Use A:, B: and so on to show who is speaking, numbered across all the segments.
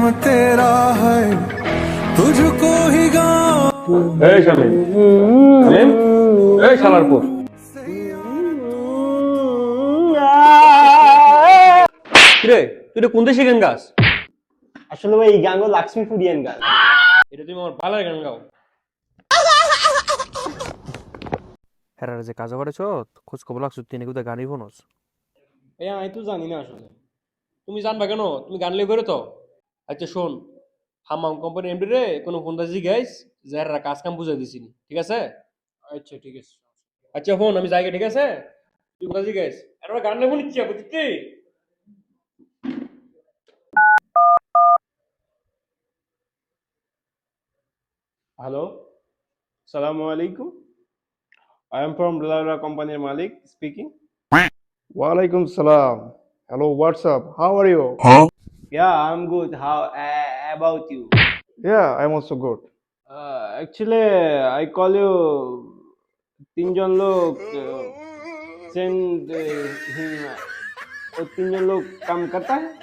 A: तेरा है तुझको ही गाऊं।
B: এই শামিম শামিম এই শালার পুত কিরে তুই এটা কোন দেশে গান গাস?
C: আসলে ভাই এই গানগুলো লক্ষ্মীপুরিয়ান গান।
B: এটা তুমি আমার বালার গান গাও।
D: হেরার যে কাজ করেছ খোঁজ খবর লাগছো তিনি কোথায় গানই ফোনস
C: আমি তো জানি না আসলে।
B: তুমি জানবা কেন? তুমি গান লিয়ে বেরো তো। আচ্ছা শোন, হামাম কোম্পানি এমডি রে কোনো ফোন দাজি গাইস যারা কাজ কাম বুঝাই দিছিনি, ঠিক আছে?
C: আচ্ছা ঠিক আছে।
B: আচ্ছা ফোন আমি যাই গে, ঠিক আছে? তুই কোন দাজি গাইস এটা গান লেবো নিচ্ছি বুঝছি।
C: হ্যালো, সালামু আলাইকুম। I am from Lalala Company Malik speaking.
E: Walaikum salam. Hello, what's up? How are you?
C: Yeah, I'm good. How about you?
E: Yeah, I'm also good.
C: Actually, I call you তিনজন লোক send him वो तीनজন লোক কাম করতা है।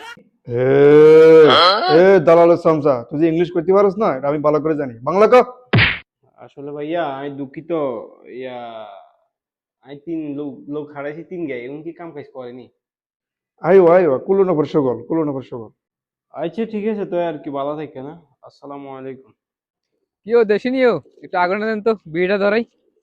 E: দালাল সামসা তুই যে English করতে পারিস না এটা আমি ভালো করে জানি বাংলা ক
C: আসলে ভাইয়া আমি দুঃখিত, ইয়া আমি তিন লোক হারাইছি, তিন গায়ে এমন কি কাম কাজ করেনি।
E: আইও আইও কুলো নগর সগল
C: আচ্ছা ঠিক আছে, তো আর কি, ভালো থাকে না। আসসালামু আলাইকুম।
F: কিও দেশি নিও একটু আগুন দেন তো বিড়িটা ধরাই।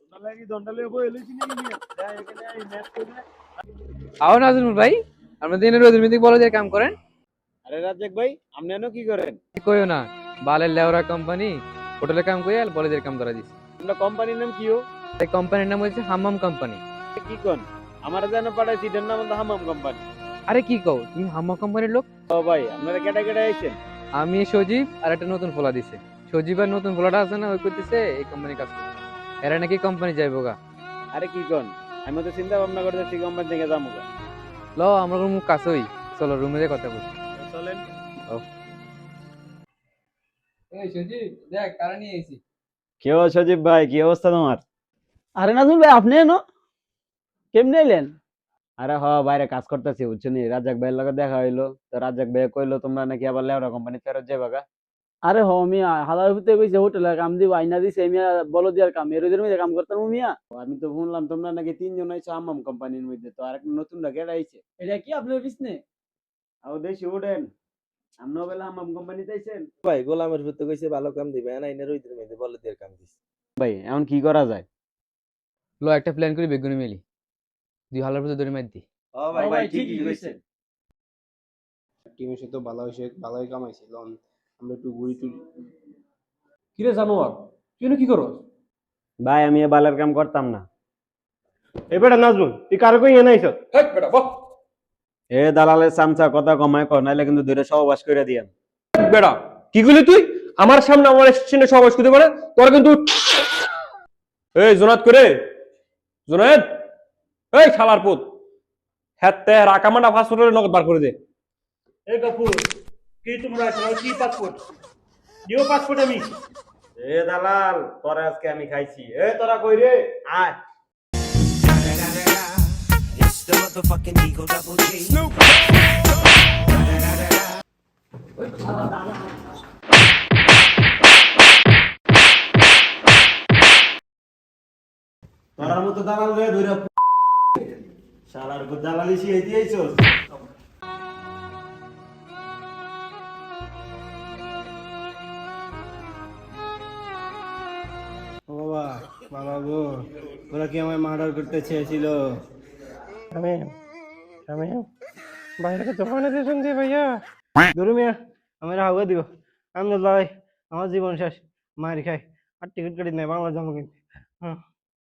F: আও নাজমুল ভাই, আমরা দিনের রোজের মিটিং বলো যে কাম করেন।
C: আরে রাজ্জাক ভাই, আপনি এনো কি করেন?
F: কইও না, বালের লেওরা কোম্পানি হোটেলে কাম করি আর বলে যে কাম ধরা দিছি।
C: আমরা কোম্পানির নাম কি ও?
F: এই কোম্পানির নাম হচ্ছে হাম্মাম কোম্পানি।
C: কি কোন আমার যেন পাঠাইছি এটার নাম হলো হামাম কোম্পানি।
F: আরে কি কও তুমি হাম্মাম কোম্পানির লোক?
C: ও ভাই, আপনারা কেটা কেটা আইছেন?
F: আমি সজীব আর একটা নতুন ফোলা দিছে। সজীব আর নতুন ফোলাটা আছে না, ওই করতেছে এই কোম্পানি কাজ করতে। এরা নাকি কোম্পানি যাইবো গা।
C: আরে কি কোন, আমি তো চিন্তা ভাবনা করতেছি কোম্পানি থেকে যাবো গা।
F: ল আমরা মুখ কাছেই, চলো রুমে যে কথা বলি।
C: চলেন।
F: এই সজীব দেখ কারা নিয়ে আইছি।
C: কি ও সজীব ভাই, কি অবস্থা তোমার?
G: আরে নাজমুল ভাই, আপনি এনো কেমনে এলেন?
C: আরে বাইরে কাজ করতেছি বুঝছো নি, রাজ্জাক ভাইয়ের লগে দেখা হইলো, তো রাজ্জাক ভাই কইলো তোমরা নাকি আবার লেওরা কোম্পানি ফেরত যাবে গা।
G: আরে মিয়া হালার ভিতরে কইছে হোটেলে কাম দিব, আইনা দিছে মিয়া, বলো দিয়ার কাম এর মধ্যে কাম করতাম মিয়া।
C: আমি তো শুনলাম তোমরা নাকি তিনজন আইছো হামাম কোম্পানির মধ্যে, তো আরেকটা নতুন কেটা আইছে।
G: এটা কি আপনার বিজনে?
C: আও দেশি উঠেন, আমরাও বেলা হামাম কোম্পানিতে আইছেন।
H: ভাই গোলামের ভিতরে কইছে ভালো কাম দিবে না এনে রইদের মধ্যে বলে দিয়ে কাম দিছে।
C: ভাই এখন কি করা যায়?
F: লো একটা প্ল্যান করি বেগুনি মেলি, দুই হালার ভিতরে ধরে মার দি।
H: ও ভাই
G: ঠিকই কইছেন।
C: টিমের সাথে ভালো হইছে, ভালোই কামাইছে, লন আমরা একটু ঘুরি টুরি।
B: কিরে জানোয়ার তুই কি করস?
C: ভাই আমি এ বালের কাম করতাম না। এ বেটা নাজমুল, তুই কার কই এনে আইছ?
B: হেই বেটা বাহ।
C: এ দালালের চামচা কথা কমায় কর, নাইলে কিন্তু ধরে সহবাস কইরা দিয়াম।
B: বেটা কি কইলি তুই? আমার সামনে আমার স্টেশনে সবাই করতে পারে তোর কিন্তু। এই জোনাত করে জোনাত, এই শালার পুত হ্যাতে রাকামান্ডা পাসপোর্টের নগদ বার করে দে।
I: এই গফুর, কি তোমরা কি পাসপোর্ট নিউ পাসপোর্ট আমি।
C: এ দালাল তোরা আজকে আমি খাইছি। এ তোরা কই রে, আয়। তোরার মতো দালাল রে ধইরা শালার গো দালালি শিখাইতে আইছস। বাবা বাবা গো, ওরা কি আমায় মার্ডার করতে চেয়েছিল?
I: বাইরে দোকানে দিয়েছেন যে ভাইয়া
G: ধরু মিয়া, আমার হাওয়া দিব, আমি লড়াই, আমার জীবন শেষ, মারি খাই আর টিকিট কাটি নাই, বাংলা যাবো কিন্তু। হ্যাঁ